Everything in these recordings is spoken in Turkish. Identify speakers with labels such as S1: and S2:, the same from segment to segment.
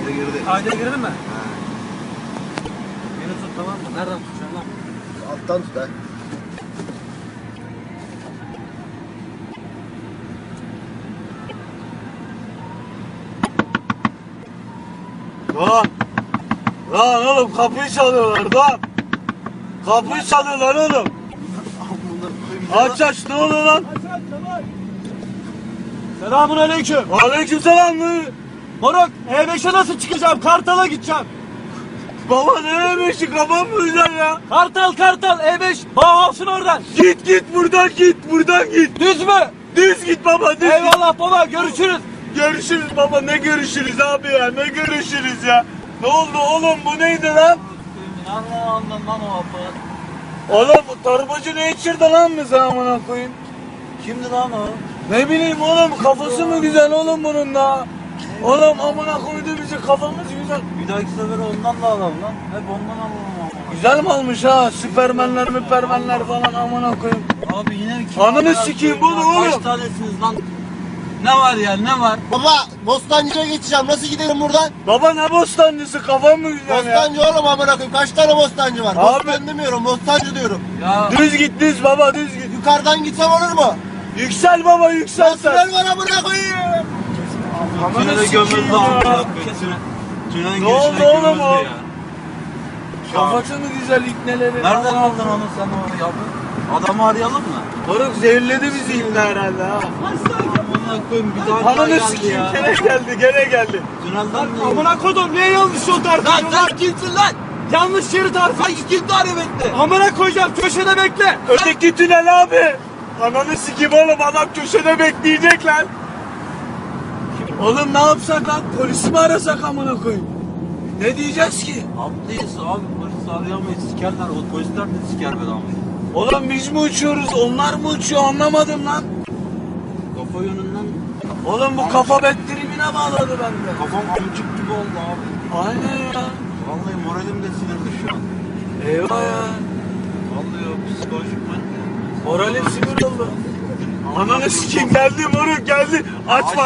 S1: Kayda girdi.
S2: Kayda girdin mi?
S1: Ha.
S2: Beni tut, tamam mı? Nereden tutacaksın lan?
S1: Alttan tut ha.
S3: Lan oğlum kapıyı çalıyorlar lan. Kapıyı çalıyorlar oğlum. Aç aç, ne oluyor lan?
S2: Selamun aleyküm.
S3: Aleyküm selam.
S2: Moruk, E5'e nasıl çıkacağım? Kartal'a gideceğim.
S3: Baba nereye beşi, kafam mı güzel ya?
S2: Kartal, E5. Bauhaus'un oradan.
S3: Git buradan git.
S2: Düz mü?
S3: Düz git baba, düz git.
S2: Eyvallah baba, görüşürüz.
S3: Görüşürüz baba, ne görüşürüz abi ya, ne görüşürüz ya. Ne oldu oğlum, bu neydi lan?
S2: Anladım lan o hapı.
S3: Oğlum bu torbacı ne içirdi lan bize amına koyayım?
S2: Kimdi lan o?
S3: Ne bileyim oğlum, kafası mı güzel oğlum bunun da? Oğlum amına koydu bizi, kafamız güzel.
S2: Bir dahaki sefer ondan da alalım lan. Hep ondan alalım ama.
S3: Güzel mi almış ha? Süpermenler müpermenler falan amına koyayım.
S2: Abi yine mi?
S3: Ananı sikeyim bunu oğlum.
S2: Kaç tanesiniz lan? Ne var ya, ne var?
S1: Baba Bostancı'ya geçeceğim. Nasıl gidelim buradan?
S3: Baba ne bostancısı, kafam mı güzel ya?
S1: Bostancı oğlum amına koyayım. Kaç tane bostancı var?
S3: Abi-
S1: Bostan demiyorum. Bostancı diyorum.
S2: Ya
S3: Düz git düz baba, düz git.
S1: Yukarıdan gitsem olur mu?
S3: Yüksel baba, yüksel sen.
S1: Tünel var amına koyayım.
S3: Ananı
S2: tünele
S3: sikeyim
S2: gömüldü
S3: ya.
S2: amına. Tünelin
S3: Ne oldu
S2: girişine
S3: oğlum
S2: gömüldü
S3: o?
S2: ya.
S3: Kafası mı güzel ipneleri?
S2: Nereden aldın onu sen onu ya? Adamı arayalım mı?
S3: Moruk zehirledi bizi ipne herhalde ha.
S2: Amına koyayım, bir daha
S3: Ananı
S2: geldi
S3: sikeyim,
S2: ya.
S3: gene geldi.
S2: Tünelden mi?
S4: Amına kodum niye yanlış yol tarifi
S2: Lan
S4: ediyorsun lan?
S2: sen kimsin lan?
S4: Yanlış şerit tarifi.
S2: Hangi kim tarif etti?
S4: Amına koyacağım köşede bekle.
S3: Öteki tünel abi. Ananı sikeyim oğlum, adam köşede bekleyecek lan. Oğlum ne yapsak lan? Polisi mi arasak amına koyayım? Ne diyeceğiz ki?
S2: Haklıyız abi, polis arayamayız, sikerler, o polisler de siker bedava.
S3: Oğlum biz mi uçuyoruz, onlar mı uçuyor, anlamadım lan.
S2: Kafa yönünden
S3: Oğlum bu kafa bettirimine bağladı bende.
S2: kafam amcık gibi oldu abi.
S3: Aynen ya.
S2: Vallahi moralim de sinirli şu an.
S3: Eyvah ya.
S2: Vallahi o psikolojik ben.
S3: Moralim sinir oldu. Ananı sikeyim, geldi moruk geldi. Açma.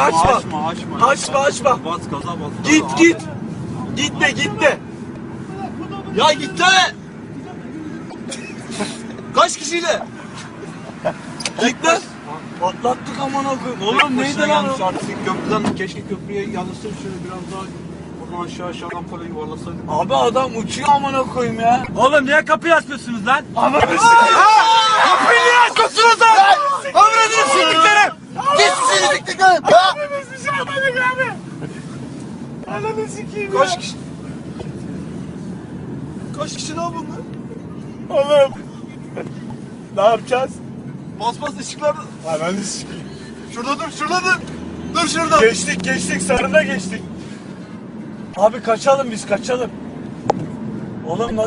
S3: Açma.
S2: Bas gaza bas.
S3: Git. Gitme.
S2: Ya gitsene. Kaç kişiyle?
S3: Git lan. Atlattık amına koyayım. Oğlum neydi lan o?
S2: Yanlış artık köprüden, keşke köprüye yanlıştır şöyle biraz daha buradan aşağıdan para yuvarlasaydık.
S3: Abi adam uçuyor amına koyayım ya.
S4: Oğlum niye kapıyı açmıyorsunuz lan?
S3: Ananı sikeyim.
S4: Kapıyı niye açmıyorsunuz lan? Ömrünü siktiklerim.
S1: Git seni diktiklerim.
S3: Biz bir şey yapmadık abi. Ananı sikeyim ya.
S4: Kaç kişi lan bunlar?
S3: Oğlum. Ne yapacağız?
S4: Bas ışıklar.
S3: Ananı sikeyim.
S4: Şurada dur. Dur şurada.
S3: Geçtik sarına geçtik. Abi kaçalım biz. Oğlum